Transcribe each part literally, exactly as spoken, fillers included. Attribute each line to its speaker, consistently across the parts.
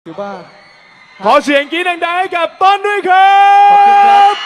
Speaker 1: ถือว่า
Speaker 2: ขอเสียงกรี๊ดดังๆให้กับต้นด้วยครั
Speaker 1: ขอบคุณครับ
Speaker 2: บ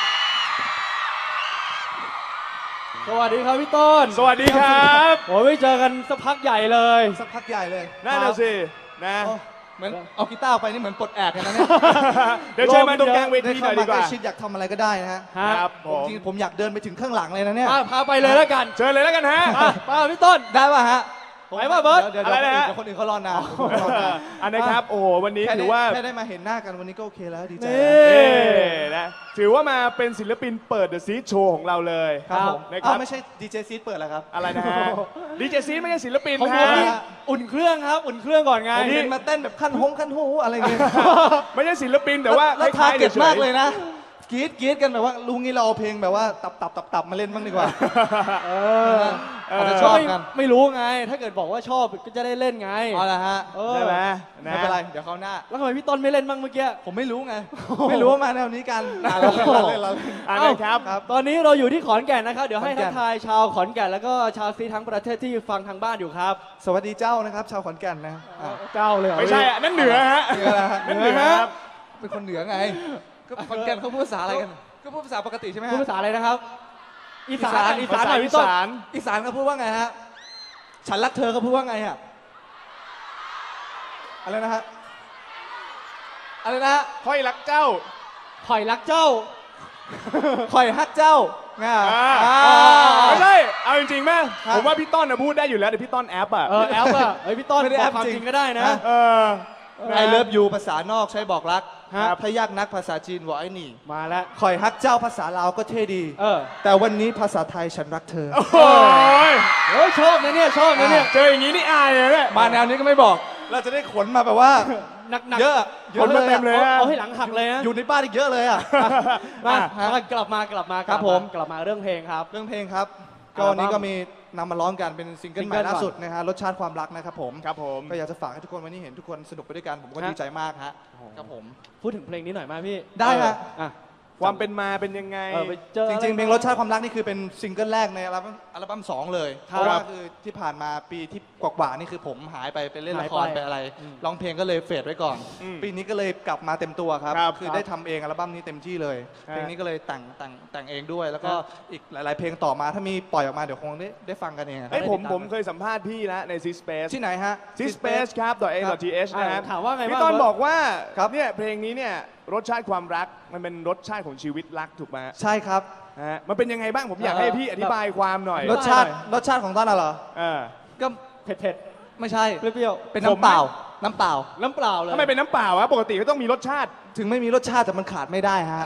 Speaker 1: สวัสดีครับพี่ต้น
Speaker 2: สวัสดีครับ
Speaker 1: โอ้ยไม่เจอกันสักพักใหญ่เลย
Speaker 3: สักพักใหญ่เลย
Speaker 2: นั่นน่ะสินะ
Speaker 3: โอ้เหมือนเอากีตาร์ออกไปนี่เหมือนปลดแอกกันนะเนี่ย
Speaker 2: เดี๋ยวเชิญมาตรงกลางเว
Speaker 3: ได้
Speaker 2: ทีห
Speaker 3: เข้า
Speaker 2: น่อย
Speaker 3: มา
Speaker 2: ดีก
Speaker 3: ใกล้
Speaker 2: ว่า
Speaker 3: ชิดอยากทำอะไรก็ได้นะฮะ
Speaker 1: ฮะ
Speaker 2: ครับผม
Speaker 3: จริงๆผมอยากเดินไปถึงข้างหลังเลยนะเนี่ย
Speaker 1: อ่ะพาไปเลยแล้วกัน
Speaker 2: เชิญเลยแล้วกันฮะ
Speaker 1: อ่ะมาพี่ต้น
Speaker 3: ได้ป่ะฮะ
Speaker 1: ไหวป่ะเบิร์ต
Speaker 3: เดี๋ยว
Speaker 2: อะไรนะฮะ
Speaker 3: เดี๋ยวคนอื่นเขารอนานเดี๋ยวคนอื่นเขารอนาน
Speaker 2: อันนะครับโอ้โหวันนี้
Speaker 3: แค่
Speaker 2: ถื
Speaker 3: ได้
Speaker 2: อว่า
Speaker 3: แค่ได้มาเห็นหน้ากันวันนี้ก็โอเคแล้วดีใจ
Speaker 1: นี่
Speaker 2: เอ๊นะถือว่ามาเป็นศิลปินเปิดเดอะซีโชว์ของเราเลย
Speaker 3: ครับผม
Speaker 2: นะค
Speaker 3: อ้า
Speaker 2: รั
Speaker 3: ว
Speaker 2: บ
Speaker 3: ไม่ใช่ดีเจซีดเปิดแล้วครับ
Speaker 2: อะไรนะฮะดีเจซีไม่ใช่ศิลปิน
Speaker 1: ของผ
Speaker 2: ฮะ
Speaker 1: มนี่อุ่นเครื่องครับ อุ่นเครื่องก่อนไง
Speaker 3: ผมเป็นมาเต้นแบบขั้นฮงขั้นหูอะไรเงี้ย
Speaker 2: ไม่ใช่ศิลปินแต่ว่า
Speaker 3: แล้ว
Speaker 2: ค
Speaker 3: ทา
Speaker 2: ล้ายๆ
Speaker 3: เก็ต
Speaker 2: ฉยๆ
Speaker 3: มากเลยนะกรี๊ดกรี๊ดกันแบบว่าลุงนี้เราเอาเพลงแบบว่าตับตับตับตับมาเล่นบ้างดีกว่า
Speaker 1: เออ
Speaker 3: อาจจะชอบกัน
Speaker 1: ไม่ไม่รู้ไง ถ้าเกิดบอกว่าชอบก็จะได้เล่นไง
Speaker 3: เอาละฮะ
Speaker 1: เออ
Speaker 2: ใช่ไหมนะ
Speaker 3: ไม่เป็นไรเดี๋ยวเขาวหน้า
Speaker 1: แล้วทำไมพี่ต้นไม่เล่นบ้างเมื่อกี้
Speaker 3: ผมไม่รู้ไง ไม่รู้ว่ามาแนวนี้กันอ่ะเราเล่นเราเล่นเราเล่น
Speaker 2: อัน
Speaker 1: เอ้า
Speaker 2: นะครับ
Speaker 3: ครับ
Speaker 1: ตอนนี้เราอยู่ที่ขอนแก่นนะครับ เดี๋ยวให้
Speaker 3: ขอนแก่
Speaker 1: ทั
Speaker 3: น
Speaker 1: กทายชาวขอนแก่นแล้วก็ชาวซีทั้งประเทศที่ฟังทางบ้านอยู่ครับ
Speaker 3: สวัสดีเจ้านะครับ ชาวขอนแก่นนะอ่ะ
Speaker 1: เจ้าเลยเหรอ
Speaker 2: ไม่ใช่อะนั่นเหนือฮะ
Speaker 3: เหนือนะฮะ
Speaker 2: นั่นเหนือครับ
Speaker 3: เป็นคนเหนือไง ก็ขอนแก่นเขาพูดภาษาอะไรกัน ก็พูดภาษาปกติใช่ไหมฮะ
Speaker 1: พูดภาษาอะไรนะครับ อีสาน
Speaker 3: อี
Speaker 1: อี
Speaker 3: สา
Speaker 1: สาน นหน่อยพี่ต้น
Speaker 2: อีสาน
Speaker 3: อีสานเขาพูดว่าไงฮะ ฉันรักเธอเขาพูดว่าไงฮะ อะไรนะฮะ อะไรนะฮะ
Speaker 2: ค่อยรักเจ้า
Speaker 1: ข่อยรักเจ้า
Speaker 3: ข่อยฮักเจ้าไง
Speaker 2: อ่า
Speaker 3: อ่า
Speaker 2: ไม่ใช่ เอาจริงๆแม่
Speaker 3: ครับ
Speaker 2: ผมว่าพี่ต้นนะพูดได้อยู่แล้วแต่พี่ต้นแอปอ่ะ
Speaker 1: เออแอปอะเฮ้ยพี่ต้น
Speaker 3: ไม่ได้
Speaker 1: บ
Speaker 3: แอ
Speaker 1: อก
Speaker 3: ป
Speaker 1: ความ
Speaker 3: จริง
Speaker 1: จริงก็ได้นะ
Speaker 3: ฮะ
Speaker 2: เออ
Speaker 3: ไอเลิฟยูภาษานอกใช้บอกรัก
Speaker 1: ฮะ
Speaker 3: ถ้ายากนักภาษาจีนวอไอ้หนี่
Speaker 1: มาแล้ว
Speaker 3: ข่อยฮักเจ้าภาษาลาวก็เท่ดี
Speaker 1: เออ
Speaker 3: แต่วันนี้ภาษาไทยฉันรักเธอ
Speaker 2: โอ้ย
Speaker 1: เฮ้ยชอบนะเนี่ยชอบนะเนี่ย
Speaker 2: เจออย่างนี้นี่อายเลยเนี่ย
Speaker 3: มาแนวนี้ก็ไม่บอก เราจะได้ขนมาแบบว่า
Speaker 1: หนักหนัก
Speaker 3: เยอะเย
Speaker 2: ข
Speaker 3: อะ
Speaker 2: นมาเต็มเลย
Speaker 1: เอา
Speaker 2: อะ
Speaker 1: เอาให้หลังหักเลยนะ
Speaker 3: อยู่ในบ้านอีกเยอะเลยอ่ะ
Speaker 1: มา
Speaker 3: ฮะ
Speaker 1: มากลับมากลับมา
Speaker 3: ครับ
Speaker 1: กลั
Speaker 3: ผม
Speaker 1: กลับมาเรื่องเพลงครับ
Speaker 3: เรื่องเพลงครับ ก็
Speaker 1: อัลบั้ม
Speaker 3: วันนี้ก็มีนำมาร้องกันเป็นซิงเกิล
Speaker 1: ซิง
Speaker 3: ให
Speaker 1: เกิ
Speaker 3: ม่
Speaker 1: ล
Speaker 3: ล่า
Speaker 1: ก่อน
Speaker 3: สุดนะฮะรสชาติความรักนะครับผม
Speaker 2: ครับผม
Speaker 3: ก็อยากจะฝากให้ทุกคนวันนี้เห็นทุกคนสนุกไปด้วยกันผมก็
Speaker 1: ฮะ
Speaker 3: ดีใจมากฮะครับผม
Speaker 1: พูดถึงเพลงนี้หน่อยมาพี่
Speaker 3: ได้ฮะ
Speaker 1: อ่ะ
Speaker 2: ความเป็นมาเป็นยังไง
Speaker 1: เออไปเจอ
Speaker 3: จ
Speaker 1: อะไ
Speaker 3: ริงๆเพลงรสชาติความรักนี่คือเป็นซิงเกิลแรกในอัลบั้มอัลบั้มสองเลย
Speaker 1: ค
Speaker 3: เพ
Speaker 1: รับ
Speaker 3: ราะว่าคือที่ผ่านมาปีที่กว่าๆนี่คือผมหายไปไปเล่นละคร
Speaker 1: หายไป
Speaker 3: ไปอะไร
Speaker 1: อืม
Speaker 3: ร้องเพลงก็เลยเฟดไว้ก่อน
Speaker 2: อืม
Speaker 3: ปีนี้ก็เลยกลับมาเต็มตัวครับ
Speaker 2: ครับ
Speaker 3: คือได้ทำเองอัลบั้มนี้เต็มที่เลย
Speaker 2: ฮะ
Speaker 3: เพลงนี้ก็เลยแต่งแต่งแต่งเองด้วย แล้วก็
Speaker 1: ครับ
Speaker 3: อีกหลาย ๆ เพลงต่อมาถ้ามีปล่อยออกมาเดี๋ยวคงได้ได้ฟังกันเองครับ
Speaker 2: เฮ้ยผม
Speaker 1: ได้ติดตาม
Speaker 2: ผมเคยสัมภาษณ์พี่แล้วใน C Space
Speaker 3: ที่ไหนฮะ
Speaker 2: C Space ครับ .a.th
Speaker 1: อ่ะ
Speaker 2: นะครับ
Speaker 1: ถามว่าไง
Speaker 2: พี่
Speaker 1: บ้าง
Speaker 2: ต้น
Speaker 1: เบิร์ต
Speaker 2: บอกว่า
Speaker 3: ครับ
Speaker 2: เนี่ยเพลงนี้เนี่ยรสชาติความรักมันเป็นรสชาติของชีวิตรักถูกไหม
Speaker 3: ใช่ครับ
Speaker 2: ฮะมันเป็นยังไงบ้างผมอยาก
Speaker 1: เออ
Speaker 2: ให้พี่อธิบายความหน่อย
Speaker 3: รสชาติ
Speaker 1: ได้หน่อย
Speaker 3: รสชาติของต้นน่ะเหรอ
Speaker 2: เออ
Speaker 3: ก็
Speaker 1: เผ็ดเผ็ด
Speaker 3: ไม่ใช่
Speaker 1: ๆเปรี้ยว
Speaker 3: เป็น
Speaker 2: ผม
Speaker 3: น้ำเปล่า น้ำเปล่า
Speaker 1: ๆน้ำเปล่าเลย
Speaker 2: ทำไมเป็นน้ำเปล่าวะปกติก็ต้องมีรสชาติ
Speaker 3: ถึงไม่มีรสชาติแต่มันขาดไม่ได้ฮะ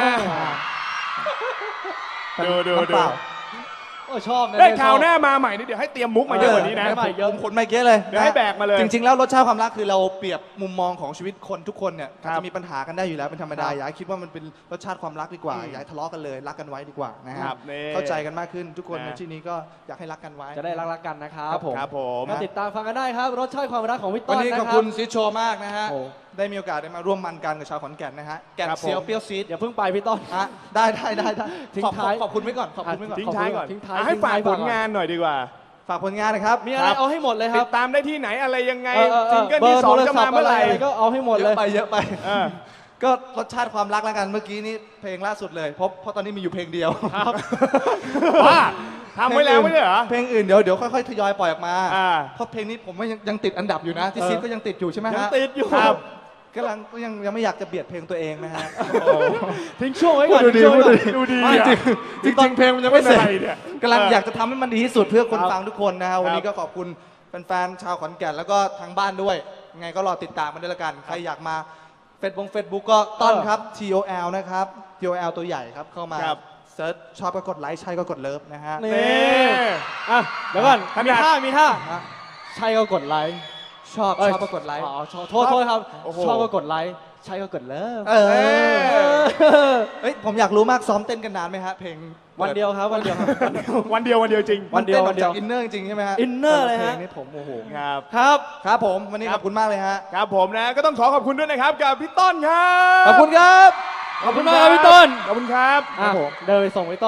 Speaker 2: ดูดู
Speaker 3: น้ำเปล่า
Speaker 1: โอ้ชอบนะ
Speaker 2: ได้
Speaker 1: เนี่ย
Speaker 2: ข่าว
Speaker 1: ชอบ
Speaker 2: หน้ามาใหม่นี่เดี๋ยวให้เตรียมมุกมาเยอะกว่านี้นะ
Speaker 1: เออ
Speaker 3: ผมผมขนมาเยอะเลย
Speaker 2: เดี๋ยวให้แบกมาเลย
Speaker 3: จริง ๆ แล้วรสชาติความรักคือเราเปรียบมุมมองของชีวิตคนทุกคนเนี่ย
Speaker 2: ครับ
Speaker 3: จะมีปัญหากันได้อยู่แล้วเป็นธรรมดา
Speaker 1: ครับ
Speaker 3: อย่าให้คิดว่ามันเป็นรสชาติความรักดีกว่า
Speaker 2: อืม
Speaker 3: อย่าให้ทะเลาะกันเลยรักกันไว้ดีกว่านะฮะ
Speaker 2: ครับนี่
Speaker 3: เข้าใจกันมากขึ้นทุกคน
Speaker 2: นะ
Speaker 3: ในที่นี้ก็อยากให้รักกันไว้
Speaker 1: จะได้รักๆกันนะครับ
Speaker 3: ครับผม
Speaker 2: ครับผม
Speaker 1: มาติดตามฟังกันได้ครับ รสชาติความรักของพี่ต้
Speaker 3: วัน
Speaker 1: น
Speaker 3: นี้
Speaker 1: นะ
Speaker 3: ขอบ
Speaker 1: ครั
Speaker 3: คุ
Speaker 1: บ
Speaker 3: ณซีดโชว์มากนะฮะ
Speaker 1: โอ้
Speaker 3: ได้มีโอกาสได้มาร่วมมันกันกับชาวขอนแก่นนะฮะแก่น
Speaker 2: ครับผม
Speaker 3: เซียวเปรี้ยวซีด
Speaker 1: อย่าเพิ่งไปพี่ต้น
Speaker 3: ฮะได้ได้ได้ได้
Speaker 1: ทิ้ง
Speaker 3: ขอบ
Speaker 1: ท้าย
Speaker 3: ขอบคุณไว้ก่อนขอบคุณไว้ก่อน
Speaker 2: ทิ้งท้ายก่อน
Speaker 1: ทิ้งท้าย
Speaker 2: อ่ะให้
Speaker 1: ทิ้ง
Speaker 2: ฝา
Speaker 1: ท้าก ย
Speaker 2: ผ
Speaker 1: ก่อน
Speaker 2: ลงานหน่อยดีกว่า
Speaker 3: ฝากผลงานนะครับ
Speaker 1: มีอะไร
Speaker 2: ครับ
Speaker 1: เอาให้หมดเลยค
Speaker 2: ติ
Speaker 1: รับ
Speaker 2: ดตามได้ที่ไหนอะไรยังไง
Speaker 1: เออเออเอ
Speaker 2: ซิ
Speaker 1: อง
Speaker 2: เกิล
Speaker 1: เบอ
Speaker 2: ที่
Speaker 1: ร์
Speaker 2: ส
Speaker 1: โท
Speaker 2: อง
Speaker 1: ร
Speaker 2: จะ
Speaker 1: ศั
Speaker 2: มา
Speaker 1: พท์
Speaker 2: เมื่อ
Speaker 1: อะ
Speaker 2: ไห
Speaker 1: ไร
Speaker 2: ร่
Speaker 1: อะไรก็เอาให้หมด
Speaker 3: เย
Speaker 1: เล
Speaker 3: อะ
Speaker 1: ย
Speaker 3: ไปเยอะไป
Speaker 2: เออ
Speaker 3: ก็รสชาติความรักแล้วกันเมื่อกี้นี้เพลงล่าสุดเลยเพราะเพราะตอนนี้มีอยู่เพลงเดียว
Speaker 1: ครับ
Speaker 2: ว่าทำไว้แล้วไม่ใช่เหรอ
Speaker 3: เพลงอื่นเดี๋ยวเดี๋ยวค่อยๆทยอยปล่อยออกมา
Speaker 2: อ่า
Speaker 3: เพราะเพลงนี้ผมว่ายังยังติดอันดับอยู่นะ ที่
Speaker 1: เออ
Speaker 3: ซีดก็ยังติดอยู่ใช่ไหม
Speaker 1: ยัง
Speaker 3: ฮะ
Speaker 1: ติดอยู่
Speaker 2: ครับ
Speaker 3: กำลังก็ยังยังไม่อยากจะเบียดเพลงตัวเองนะฮะ
Speaker 1: ทิ้งช่วงไว้ก่อน
Speaker 2: ดูดี
Speaker 1: ทิ้งช่วงไว้ก่อน
Speaker 2: ดูดี
Speaker 3: ไม่
Speaker 2: อ่ะ
Speaker 3: จริงจริงๆเพลงมันยังไม่เสร็จ
Speaker 2: เป็นอะไรเนี่ย
Speaker 3: กำลัง
Speaker 2: เออ
Speaker 3: อ
Speaker 2: อ
Speaker 3: ยากจะทำให้มันดีที่สุดเพื่อคน
Speaker 1: ครับ
Speaker 3: ฟังทุกคนนะฮะวันนี้
Speaker 2: ครั
Speaker 3: ก็
Speaker 2: บ
Speaker 3: ขอบคุณแฟนๆชาวขอนแก่นแล้วก็ทางบ้านด้วยยังไงก็รอติดตามมันด้วยละกันใครอยากมาเฟซบุ๊กเฟซบุ๊กก็ต้อนครับ T O L นะครับ T O L ตัวใหญ่ครับเข้ามา
Speaker 2: ครับ
Speaker 3: เซิร์ชชอบก็กดไลค์ใช่ก็กดเลิฟนะฮะ
Speaker 1: นี่
Speaker 2: นี่
Speaker 1: อ่ะเดี๋ยวก่อน
Speaker 2: ขนาด
Speaker 1: มีท่ามีท่า
Speaker 3: ฮะ
Speaker 1: ใช่ก็กดไลค์
Speaker 3: ชอบ
Speaker 1: เอ้ย
Speaker 3: ชอบก็กดไลค์
Speaker 1: อ๋อชอบโทษโทษครับ
Speaker 2: โอ้โห
Speaker 1: ชอบก็กดไลค์ใช่ก็กดเลิฟ
Speaker 3: เออ
Speaker 2: เออ
Speaker 3: เอ้ยผมอยากรู้มากซ้อมเต้นกันนานไหมฮะเพลง
Speaker 1: วันเดียวครับวันเดียวครับ
Speaker 2: วันเดียววันเดียวจริง
Speaker 1: วันเดียว
Speaker 3: มั
Speaker 1: วัน
Speaker 3: น
Speaker 1: เดี
Speaker 3: เต้
Speaker 1: ยว
Speaker 3: ออกจากอินเนอร์จริงๆใช่ไหมฮะ
Speaker 1: อินเนอร์เลยฮะ
Speaker 3: พงนี้ผมโอ้โห
Speaker 2: ครับ
Speaker 1: ครับ
Speaker 3: ครับผมวันนี้
Speaker 2: ค
Speaker 3: ข
Speaker 2: รับ
Speaker 3: อบคุณมากเลยฮะ
Speaker 2: ครับผมนะก็ต้องขอขอบคุณด้วยนะครับกับพี่ต้นครับ
Speaker 3: ขอบคุณครับ
Speaker 1: ขอบคุณมากครับพี่ต้น
Speaker 2: ขอบคุณครับ
Speaker 1: อ่ะเดินไปส่งพี่ต้น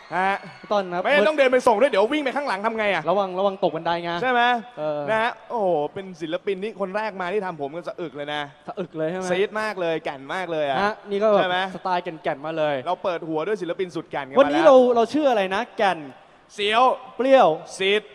Speaker 2: ฮะ
Speaker 1: พี่ต้นครับ
Speaker 2: ไม่งั้นต้องเดินไปส่งด้วยเดี๋ยววิ่งไปข้างหลังทำไงอ่ะ
Speaker 1: ระวังระวังตกบันไดไง
Speaker 2: ใช่ไหม
Speaker 1: เออ
Speaker 2: นะฮะโอ้โหเป็นศิลปินที่คนแรกมาที่ทำผมกันสะอึกเลยนะ
Speaker 1: สะอึกเลยใช่ไหม
Speaker 2: ซีดมากเลยแก่นมากเลยอ่ะ
Speaker 1: ฮะนี่ก็แบ
Speaker 2: ใช่ไหม
Speaker 1: บสไตล์แก่นๆมาเลย
Speaker 2: เราเปิดหัวด้วยศิลปินสุดแก่นกัน
Speaker 1: วัน
Speaker 2: มา
Speaker 1: นี้
Speaker 2: แล้ว
Speaker 1: เราเราชื่ออะไรนะ แก่น
Speaker 2: เสียว
Speaker 1: เปรี้ยว
Speaker 2: ซีด